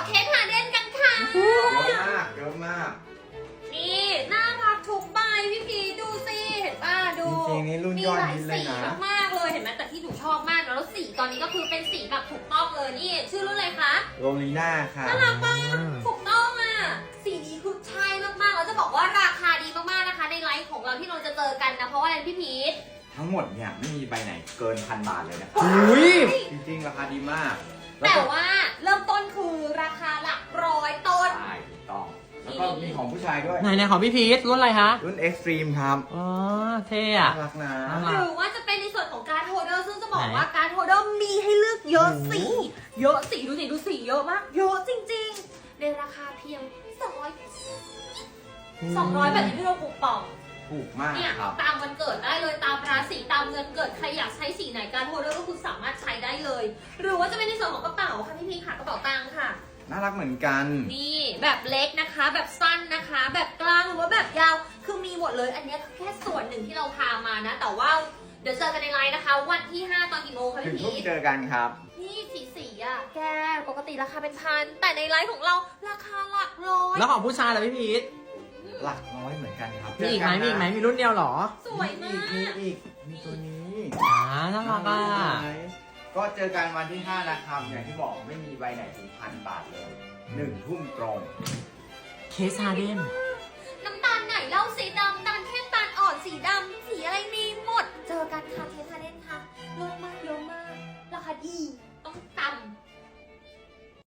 เคสหาเด่นกันค่ะเยอะมากเยอะมากนี่น่ารักทุกใบพี่พีดูสิเห็นป่ะดูจริงๆนี่รุ่นยอดฮิตเลยนะมีหลายสีมากๆเลยเห็นไหมแต่ที่หนูชอบมากแล้วสีตอนนี้ก็คือเป็นสีแบบถูกต้องเลยนี่ชื่อรุ่นอะไรคะโรลีน่าค่ะน่ารักมากถูกต้องอ่ะสีนี้คือใช่มากๆแล้วจะบอกว่าราคาดีมากๆนะคะในไลฟ์ของเราที่เราจะเจอกันนะเพราะว่าอะไรพี่พีททั้งหมดเนี่ยไม่มีใบไหนเกิน1,000 บาทเลยนะครับอุ้ยจริงๆราคาดีมากแล้วแต่ก็ว่าเริ่มต้นคือราคาหลักร้อยต้นใช่ถูกต้องแล้วก็มีของผู้ชายด้วยไหนของพี่พีทรุ่นอะไรคะรุ่น Extreme ครับอ๋อเท่น่าอะรักนะน่ารัหกรือว่าจะเป็นในส่วนของการ์ดโฮลเดอร์ซึ่งจะบอกไหนว่าการ์ดโฮลเดอร์มีให้เลือกเยอะสีเยอะสีดูสิดูสีเยอะมากเยอะจริงๆในราคาเพียง200แบบนี้ที่เราปลูกป่องถูกมากเนี่ยครับตามวันเกิดได้เลยตามราศีตามเงินเกิดใครอยากใช้สีไหนการ์ดโฮลเดอร์ก็คือสามารถใช้ได้เลย หรือว่าจะเป็นในส่วนของกระเป๋าค่ะพี่พีค่ะกระเป๋าตังค์ค่ะน่ารักเหมือนกันนี่แบบเล็กนะคะ แบบสั้นนะคะ แบบกลางหรือว่าแบบยาวคือมีหมดเลยอันนี้แค่ส่วนหนึ่งที่เราพามานะ แต่ว่าเดี๋ยวเจอกันในไลน์นะคะ วันที่ 5 ตอนกี่โมงคะถึงพี่ทุ่มพีชเจอกันครับนี่สีอ่ะแกปกติราคาเป็นพันแต่ในไลน์ของเราราคาหลักร้อยแล้วของผู้ชายล่ะพี่พีทหลักร้อยเหมือนกันครับมีอีกไหมเจมีนอีกไหมนะมีรุ่นเดียวเหรอสวยมากมีตัวนี้น่ารักอ่ะก็เจอกันวันที่ 5 นะครับ อย่างที่บอกไม่มีใบไหนถึง1,000 บาทเลย1 ทุ่มตรงเคสฮาเดนน้ำตาลไหนเล่าสีดำตาลเข้มตาลอ่อนสีดำสีอะไรมีหมด เจอกันค่ะเทสทาเล่นค่ะเยอะมากราคาดี